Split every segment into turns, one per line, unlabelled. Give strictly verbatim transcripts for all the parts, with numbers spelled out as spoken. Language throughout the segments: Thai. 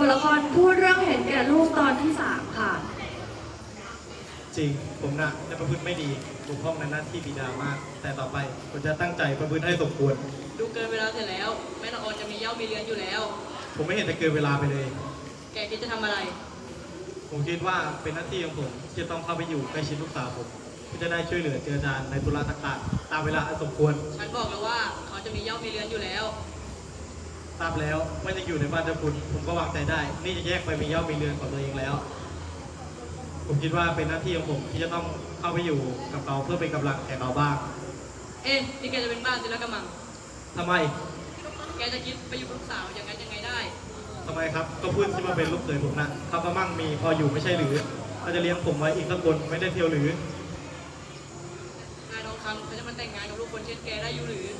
ละครพูดเรื่องเห็นแก่ลูกตอนที่สามค่ะ
จริงผมนะจะประพฤติไม่ดีบกพร่องในหน้าที่บิดามาก แต่ต่อไปผมจะตั้งใจประพฤติให้สมควร
ดูเกินเวลาเสร็จแล้วแม่ละออนจะมีเย้ามีเรือนอยู่แล้ว
ผมไม่เห็นจะเกินเวลาไปเลย
แกคิดจะทำอะไร
ผมคิดว่าเป็นหน้าที่ของผมที่จะต้องเข้าไปอยู่ใกล้ชิดลูกสาวผมเพื่อจะได้ช่วยเหลือเจือจานในธุระต่างๆตามเวลาอันสมควร
ฉันบอกแล้วว่าเขาจะมีเย้ามีเรือนอยู่แล้ว
ทราบแล้วว่าจะอยู่ในบ้านเจ้าคุณผมก็วางใจได้นี่จะแยกไปมีเย้ามีเรือนของตัวเองแล้วผมคิดว่าเป็นหน้าที่ของผมที่จะต้องเข้าไปอยู่กับเขาเพื่อเป็นกำลังแก่เขาบ้าง
เอ๊ะนี่แกจะเป็นบ้านศิลปกรรมัง
ทำไม
แกจะคิดไปอยู่กับลูกสาวอย่างไงยังไงได้
ทำไมครับก็พูดที่มาเป็นลูกเขยผมนะเขาก็มั่งมีพออยู่ไม่ใช่หรือเขาจะเลี้ยงผมไว้อีกสักคนไม่ได้เที่ยวหรื
อนายทองคำเขาจะมาแต่งงานกับลูกคนเช่นแกได้อยู่หรือ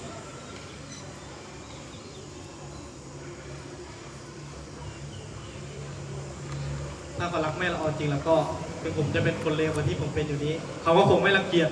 ถ้าเขารักแม่ละออนจริงแล้วก็ถึงผมจะเป็นคนเลวกว่าที่ผมเป็นอยู่นี้เขาก็คงไม่รังเกียจ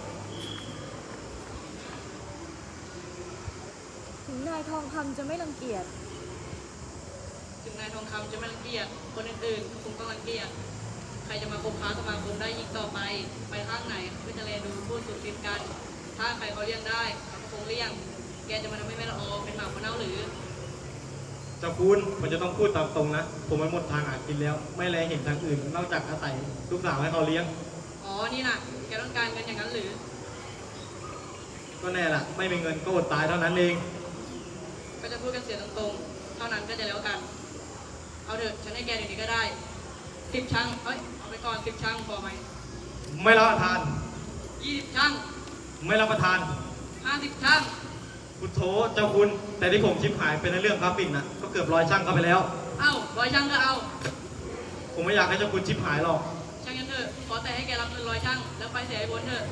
ถึงนายทองคำจะไม่รังเกียจ
ถึงนายทองคำจะไม่รังเกียจคนอื่นๆก็คงต้องรังเกียจใครจะมาคบค้าสมาคมได้อีกต่อไปไปข้างไหนก็จะแลดูพูดสุดติดกันถ้าใครเขาเลี้ยงได้เขาก็คงเลี้ยงแกจะมาทำให้แม่ละออเป็นหมาคนเน่าหรือ
เจ้าคุณมันจะต้องพูดตามตรงนะผมมันหมดทางหากินแล้วไม่แลเห็นทางอื่นนอกจากอาศัยลูกสาวให้เขาเลี้ยง
อ๋อนี่นะแกต้องการเงินอย่างนั้นหรือ
ก็แน่ละไม่มีเงินก็อดตายเท่านั้นเอง
ก็จะพูดกันเสียตรงๆเท่านั้นก็จะแล้วกันเอาเถอะฉันให้แกเดี๋ยวนี้ก็ได้สิบช่างเอ้ยเอาไปก่อนสิบช่างพอไหม
ไม่รับประทาน
ยี่สิบช่าง
ไม่รับประทาน
ห้าสิบช่าง
พุทโธเจ้าคุณแต่ที่ผมชิบหายเป็นในเรื่องกราฟิกนะก็เกือบร้อยช่างเข้าไปแล้ว
เอ้าร้อยช่างก็เอา
ผมไม่อยากให้เจ้าคุณชิบหายหรอก
ช่างยันเถอะขอแต่ให้แกรับเงินร้อยช่างแล้วไปเสียไอ้บนเถอะ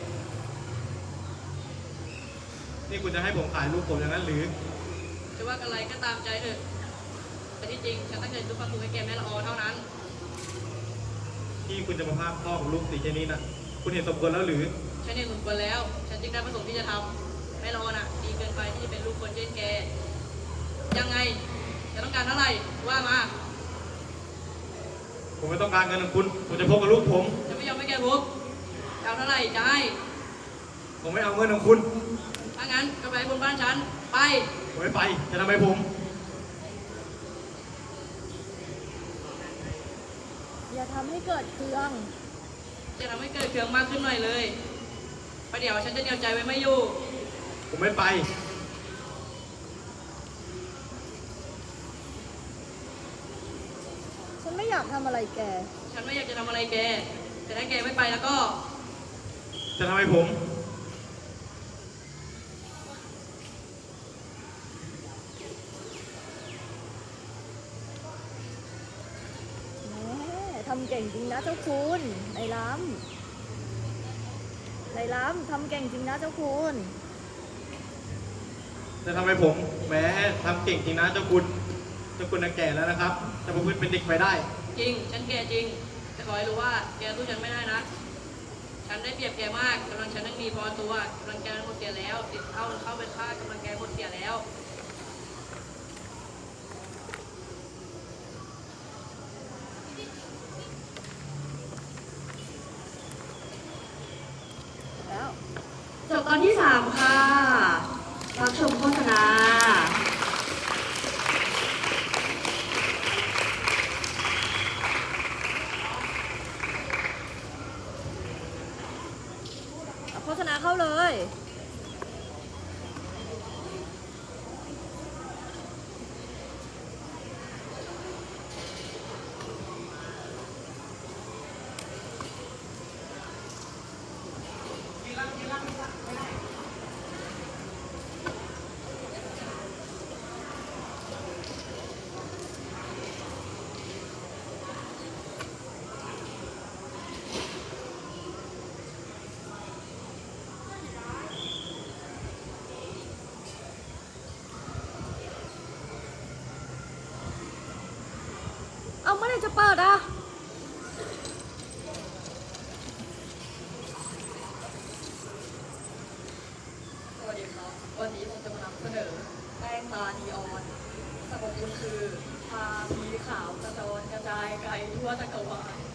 นี่คุณจะให้ผมขายลูกผมอย่างนั้นหรือ
จะว่าอะไรก็ตามใจเถอะแต่ที่จริงฉันตั้งใจซื้อความสุขให้แกแม่ละออเท่านั้น
ที่คุณจะมาพากพ่อของลูกสีแค่นี้นะคุณเห็นสมควรแล้วหรือ
ฉันเห็นสมควรแล้วฉันจึงได้ประสงค์ที่จะทำแม่ละออน่ะดีเกินไปที่จะเป็นลูกคนเช่นแกยังไงจะต้องการเท่าไหร่ว่ามา
ผมไม่ต้องการเงินของคุณผมจะพบกับลูกผม
จะไม่ยอมให้แกพบเอาเท่าไหร่จะให้
ผมไม่เอาเงินของคุณ
ถ้างั้นก็ไปบนบ้านฉันไป
ผมไม่ไปจะทำไมผม
อย่าทำให้เกิดเครื่อง
จะทำให้เกิดเครื่องมากขึ้นหน่อยเลยประเดี๋ยวฉันจะเดียวใจไว้ไม่อยู่
ผมไม่ไป
ฉันไม่อยากทำอะไรแก
ฉันไม่อยากจะทำอะไรแกแต่ถ้าแกไม่ไปแล้วก็
จะทำไมผม
ทำเก่งจริงนะเจ้าคุณนายล้ำนายล้ำทำเก่งจริงนะเจ้าคุณ
จะทำไมผมแหมทำเก่งจริงนะเจ้าคุณเจ้าคุณน่ะแก่แล้วนะครับจะประพฤติเป็นเด็กไปได้
จริงฉันแก่จริงแต่ขอให้รู้ว่าแกสู้ฉันไม่ได้นะฉันได้เปรียบแกมากกำลังฉันยังมีพอตัวกำลังแกหมดเสียแล้วติดเข้าเข้าไปฆ่ากำลังแกหมดเสียแล้ว
จบตอนที่สามค่ะรับชมโฆษณาโฆษณาเข้าเลยเอาเมื่อไหร่จะเปิดอ่ะ
สวัสดีครับวันนี้ผมจะมานำเสนอแป้งตานีออนสรรพคุณคือทาที
ขาวกระจรกระจายไกลทั่วจักรวาล